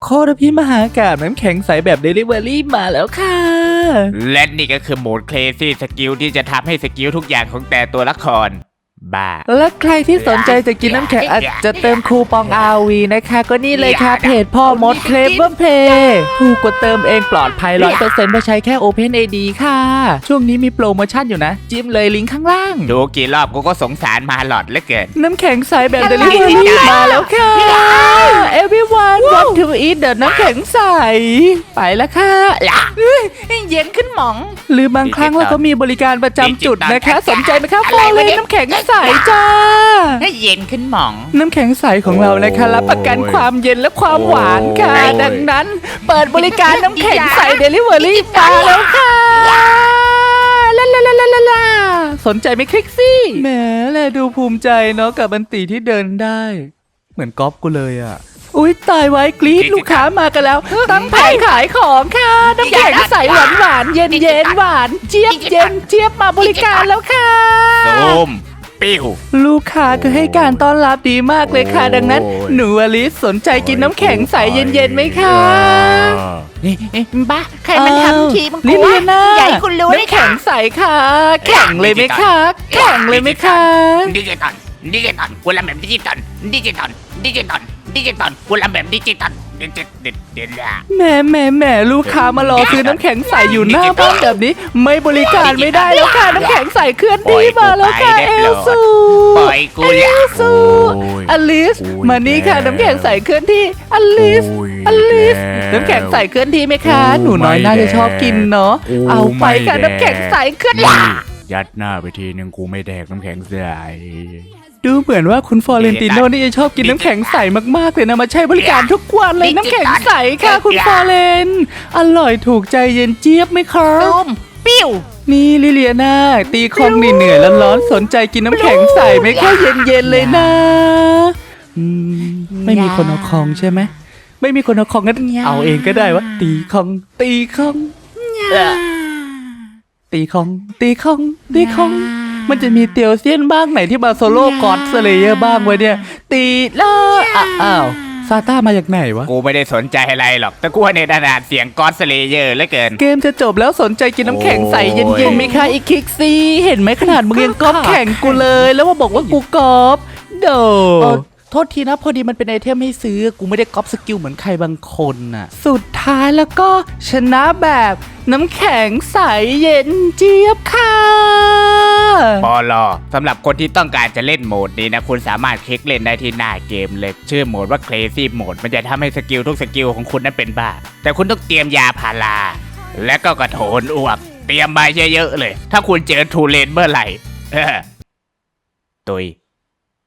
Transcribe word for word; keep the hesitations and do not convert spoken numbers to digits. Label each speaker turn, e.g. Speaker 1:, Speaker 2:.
Speaker 1: คตรพิมหากาพย์น้ำแข็งใสแบบ Delivery มาแล้วค่ะ
Speaker 2: และนี่ก็คือโหมด Crazy Skill ที่จะทำให้สกิลทุกอย่างของแต่ตัวละครบ้า
Speaker 1: และใครที่สนใจจะกินน้ำแข็งอาจจะเติมคูปอง อาร์ วี นะคะก็นี่เลยค่ะเพจพ่อมด Clever Play ถูกกดเติมเองปลอดภัย ร้อยเปอร์เซ็นต์ เพราะใช้แค่ Open เอ ดี ค่ะ ช่วงนี้มีโปรโมชั่นอยู่นะจิ้มเลยลิงก์ข้างล่าง
Speaker 2: ดูกี่รอบกูก็สงสารมาหลอดเหลือเกิน
Speaker 1: น้ำแข็งใสแบบ Delivery มาแล้วค่ะ Everyone want to eat the น้ำแข็งใสไปแล้วค่ะเย็นขึ้นหมองหรือบางครั้งเราก็มีบริการประจำจุดนะคะสนใจไหมคะฟอเลยน้ำแข็งใสจ้า
Speaker 2: ให้เย็นขึ้นหมอง
Speaker 1: น้ำแข็งใสของเรานะคะรับประกันความเย็นและความหวานค่ะดังนั้นเปิดบริการน้ำแข็งใส Delivery มาแล้วค่ะลาลาลาลาลาลาสนใจไหมคลิกซี่แหมแลดูภูมิใจเนาะกับบันตีที่เดินได้เหมือนก๊อฟกูเลยอ่ะอุ้ยตายไว้กรี๊ดลูกค้ามากันแล้วตั้งแผงขายของค่ะน้ำแข็งใสหวานหวานเย็นเย็นหวานเจี๊ยบเย็นเจี๊ยบมาบริการแล้วค่ะ
Speaker 2: ซูมปิ้ว
Speaker 1: ลูกค้าก็ให้การต้อนรับดีมากเลยค่ะดังนั้นหนูอลิสสนใจกินน้ำแข็งใสเย็นๆไหมคะ
Speaker 3: บ้าใครมันทำทีมัน
Speaker 1: ลิเลียนา
Speaker 3: ใหญ่คุณรู้
Speaker 1: น้ำแข็งใสค่ะแข่งเลยไหมคะแข่งเลยไหมคะ
Speaker 2: ดิจิตอลดิจิตอลกูรำแบบดิจิตอลดิจิตอลดิจิตอลดิจิตอลกูรำแบบดิจิตอลดิจิตดิจิตละ
Speaker 1: แหม่แหม่แหม่ลูกค้ามารอซื้อน้ำแข็งใสอยู่หน้าบ้านแบบนี้ไม่บริการไม่ได้แล้วค่ะน้ำแข็งใสเคลื่อนที่มาแล้วค่ะเอลซู
Speaker 2: ปล่อยกู
Speaker 1: เอลซูอลิสมานี่ค่ะน้ำแข็งใสเคลื่อนที่อลิสอลิสน้ำแข็งใสเคลื่อนที่ไหมคะหนูน้อยน่าจะชอบกินเนาะเอาไปค่ะน้ำแข็งใสเคลื่อนที่
Speaker 2: ยัดหน้าไปทีนึงกูไม่แดกน้ำแข็งใส
Speaker 1: ดูเหมือนว่าคุณฟอเรนติโน่นี่จะชอบกินน้ำแข็งใสมากๆเลยนะมาใช้บริการทุกวันเลยน้ำแข็งใสค่ะคุณฟอเรนอร่อยถูกใจเย็นเจี๊ยบไหมคะ
Speaker 3: ตุ้มปิ้ว
Speaker 1: นี่ลิเลียนาตีคองเหนื่อยๆร้อนๆสนใจกินน้ำแข็งใสไหมคะเย็นๆเลยนะไม่มีคนเอาคองใช่ไหมไม่มีคนเอาคองงั้นเอาเองก็ได้วะตีคองตีคองตีคองตีคองตีคองมันจะมีเตียวเซียนบ้างไหนที่มาโซโล่กอดสเลเยอร์บ้างไว้เนี่ยตีแล้วอ้าวซาต้ามาจากไหนวะ
Speaker 2: กูไม่ได้สนใจอะไรหรอกแต่กูในขนาดเสียงกอดสเลเยอร์เหลือเกิน
Speaker 1: เกมจะจบแล้วสนใจกินน้ำแข็งใสเย็นๆไหมคะอีคิกซี่เห็นไหมขนาดมึงยังก๊อปแข่งกูเลยแล้วว่าบอกว่ากูก๊อปโดโทษทีนะพอดีมันเป็นไอเทมให้ซื้อกูไม่ได้ก๊อปสกิลเหมือนใครบางคนน่ะสุดท้ายแล้วก็ชนะแบบน้ำแข็งใสเย็นเจี๊ยบค่ะ
Speaker 2: ปอลอสำหรับคนที่ต้องการจะเล่นโหมดนี้นะคุณสามารถคลิกเล่นได้ที่หน้าเกมเลยชื่อโหมดว่า Crazy Mode มันจะทำให้สกิลทุกสกิลของคุณนั้นเป็นบ้าแต่คุณต้องเตรียมยาพาราและก็กระโถนอ้วกเตรียมมาเยอะๆเลยถ้าคุณเจอทูเลนเมื่อไหร่ตุย